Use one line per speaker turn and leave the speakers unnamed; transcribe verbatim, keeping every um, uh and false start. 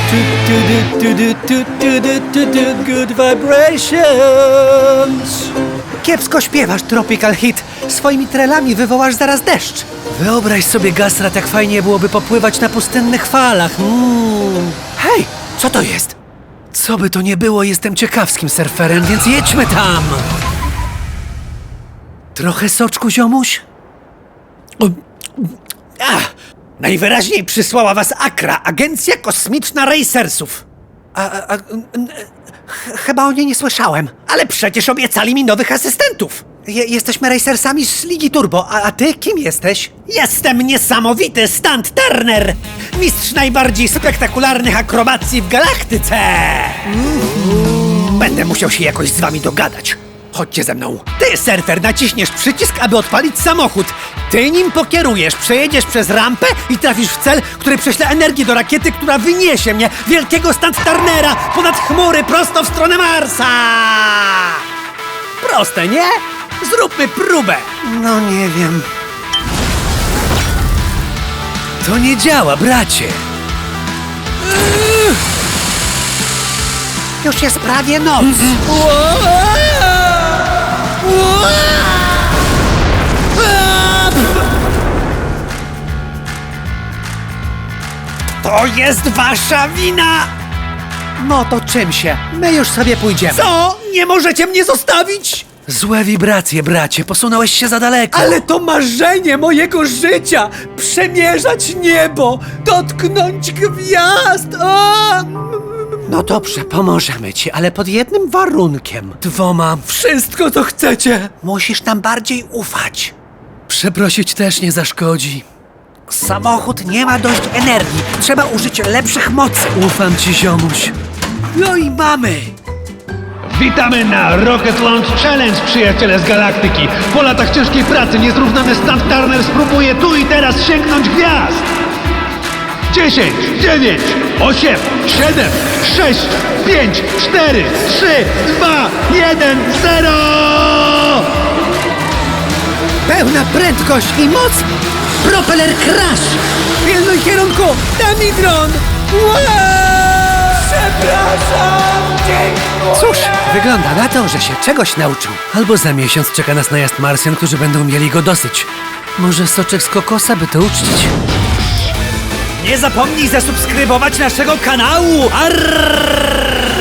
Good vibrations.
Kiepsko śpiewasz, Tropical Hit. Swoimi trelami wywołasz zaraz deszcz.
Wyobraź sobie, Gastrat, jak fajnie byłoby popływać na pustynnych falach. Mm.
Hej, co to jest?
Co by to nie było, jestem ciekawskim surferem, więc jedźmy tam! Trochę soczku, ziomuś?
Ach, najwyraźniej przysłała was Akra, Agencja Kosmiczna Racersów. A, a, a, ch- chyba o niej nie słyszałem. Ale przecież obiecali mi nowych asystentów. Je, jesteśmy racersami z Ligi Turbo, a, a ty kim jesteś? Jestem niesamowity Stunt Turner! Mistrz najbardziej spektakularnych akrobacji w galaktyce! Będę musiał się jakoś z wami dogadać. Chodźcie ze mną. Ty, surfer, naciśniesz przycisk, aby odpalić samochód. Ty nim pokierujesz, przejedziesz przez rampę i trafisz w cel, który prześle energię do rakiety, która wyniesie mnie, wielkiego Stunt Turnera, ponad chmury, prosto w stronę Marsa! Proste, nie? Zróbmy próbę. No nie wiem.
To nie działa, bracie!
Już jest prawie noc. To jest wasza wina! No to czym się? My już sobie pójdziemy. Co? Nie możecie mnie zostawić?
Złe wibracje, bracie, posunąłeś się za daleko.
Ale to marzenie mojego życia! Przemierzać niebo! Dotknąć gwiazd! O!
No dobrze, pomożemy ci, ale pod jednym warunkiem.
Dwoma.
Wszystko, co chcecie!
Musisz nam bardziej ufać.
Przeprosić też nie zaszkodzi.
Samochód nie ma dość energii. Trzeba użyć lepszych mocy.
Ufam ci, ziomuś.
No i mamy.
Witamy na Rocket Launch Challenge, przyjaciele z galaktyki. Po latach ciężkiej pracy niezrównany Stunt Turner spróbuje tu i teraz sięgnąć gwiazd. dziesięć, dziewięć, osiem, siedem, sześć, pięć, cztery, trzy, dwa, jeden, zero!
Pełna prędkość i moc. Propeller crash.
Pilnuj kierunku! Damidron! Wow! Przepraszam! Dziękuję!
Cóż, wygląda na to, że się czegoś nauczył.
Albo za miesiąc czeka nas najazd Marsjan, którzy będą mieli go dosyć. Może soczek z kokosa, by to uczcić?
Nie zapomnij zasubskrybować naszego kanału! Arrrrrrr!